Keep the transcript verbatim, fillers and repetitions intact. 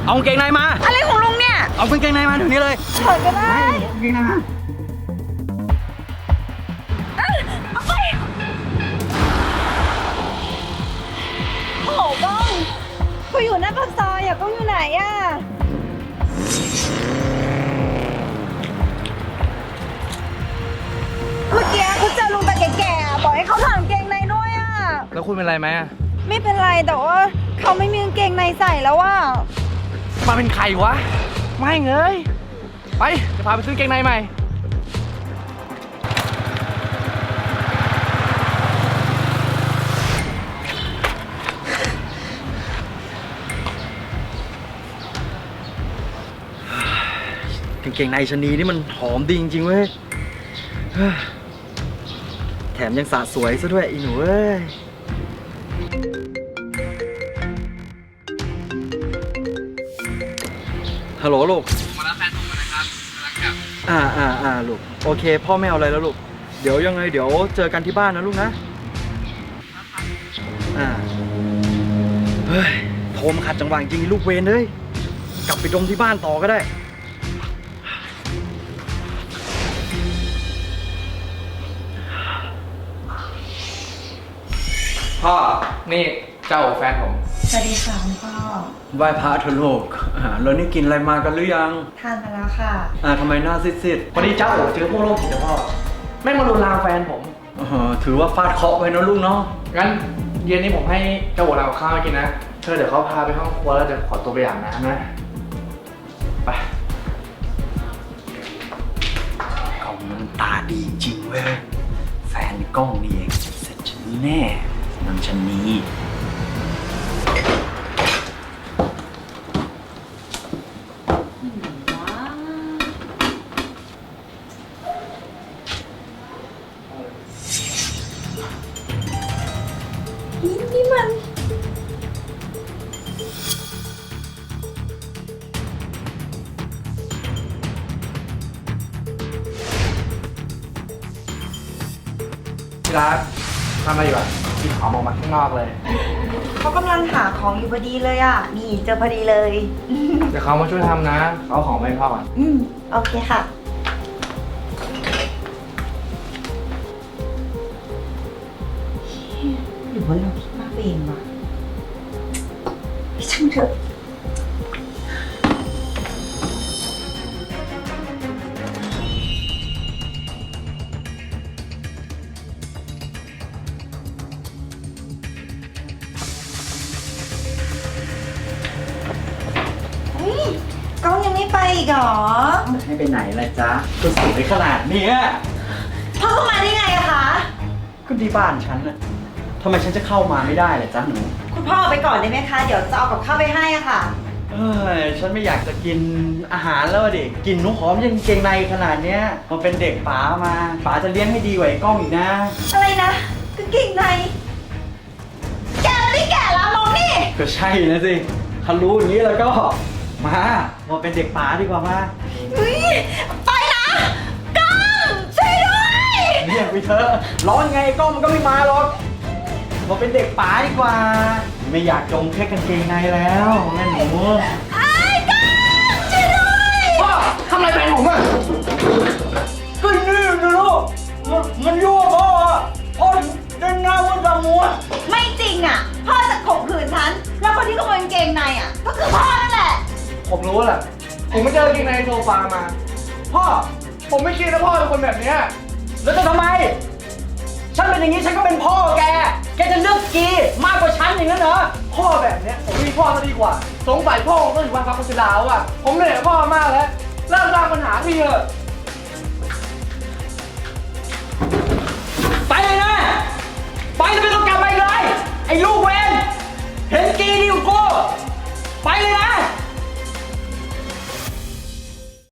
เอากางเกงในมาอะไรของลุงเนี่ยเอากางเกงในมาเดี๋ยวนี้เลยถอดก็ได้กางเกงในมาเอาไปโอ้โหก้องกูอยู่หน้าปากซอยอะก้องอยู่ไหนอะเมื่อกี้เขาเจอลุงตาแก่ๆบอกให้เขาถอดกางเกงในด้วยอะแล้วคุณเป็นไรไหมไม่เป็นไรแต่ว่าเขาไม่มีกางเกงในใส่แล้วว่ามาเป็นใครวะไม่เงยไปจะพาไปซื้อกางเกงในใหม่กางเกงในชะนีนี่มันหอมดีจริงๆเว้ยแถมยังสะสวยซะด้วยอีหนูเว้ยฮัลโหลลูกมารับแฟนผมนะครับกำลังกลับอ่าอ่าอ่าลูกโอเคพ่อไม่เอาอะไรแล้วลูกเดี๋ยวยังไงเดี๋ยวเจอกันที่บ้านนะลูกนะอ่าเฮ้ยโทรมาขัดจังหวะจริงลูกเวรเลยกลับไปดมที่บ้านต่อก็ได้พ่อนี่เจ้าแฟนผมสวัสดีค่ะคุณพ่อไหว้พระเถอะลูกแล้วนี่กินอะไรมากันหรือยังทานมาแล้วค่ะอ่าทำไมหน้าซีดๆวันนี้เจ้าโอ๋เจอพวกโรคจิตนะพ่อแม่งมาลุลามแฟนผมเออถือว่าฟาดเคราะห์ไปนะลูกเนาะงั้นเย็นนี้ผมให้เจ้าโอ๋เอาข้าวกินนะเธอเดี๋ยวเขาพาไปห้องครัวแล้วจะขอตัวไปอาบน้ำนะไปกล้องมันตาดีจริงเว้ยแฟนกล้องนี่เองเสร็จฉันแน่นางชะนีนี่มันที่รักทำอะไรอยู่อ่ะกินของออกมาข้างนอกเลยเขากำลังหาของอยู่พอดีเลยอ่ะนี่เจอพอดีเลยเดี๋ยวเขามาช่วยทำนะเอาของไปให้พ่อก่อนอืมโอเคค่ะหรือว่าเราคิดมากเองวะช่างเถอะก้องยังไม่ไปอีกเหรอให้ไปไหนล่ะจ๊ะก็สวยขนาดนี้พ่อเข้ามาได้ไงอะคะก็ที่บ้านฉันน่ะทำไมฉันจะเข้ามาไม่ได้ล่ะจ๊ะหนูคุณพ่อไปก่อนได้ไหมคะเดี๋ยวจะเอากับข้าวไปให้อะค่ะเอ้ยฉันไม่อยากจะกินอาหารแล้วดิกินหนูหอมยังเกงในขนาดเนี้ยมันเป็นเด็กป๋ามาป๋าจะเลี้ยงให้ดีกว่าไอ้กล้องอีกนะอะไรนะกางเกงในแกไม่แก่แล้วมองนี่ก็ใช่นะสิถ้ารู้อย่างนี้แล้วก็มามาเป็นเด็กป๋าดีกว่ามาเฮ้ยไปนะกล้องช่วยด้วยเรียกไปเถอะร้อนไงกล้องมันก็ไม่มาหรอกมาเป็นเด็กป๋าดีกว่าไม่อยากจมแค่กางเกงในแล้วแม่หนูไอ้กล้องช่วยด้วยพ่อทำอะไรแฟนผมอ่ะก็นี่นะลูกมันมันยั่วพ่ออ่ะพ่อเดินหน้ามันจะมัวไม่จริงอ่ะพ่อจะข่มขืนฉันแล้วคนที่ขโมยกางเกงในอ่ะก็คือพ่อนั่นแหละผมรู้แหละผมไม่เจอกางเกงในโซฟามาพ่อผมไม่คิดนะพ่อเป็นคนแบบนี้แล้วจะทำไมฉันเป็นอย่างนี้ฉันก็เป็นพ่อแกแกจะเลือกกีมากกว่าฉันอย่างนั้นเหรอพ่อแบบเนี้ยผมมีพ่อซะดีกว่าสงสัยพ่อต้องอยู่บ้านพักคนชราอ่ะผมเหนื่อยพ่อมากแล้วเลิกสร้างปัญหาทีเถอะ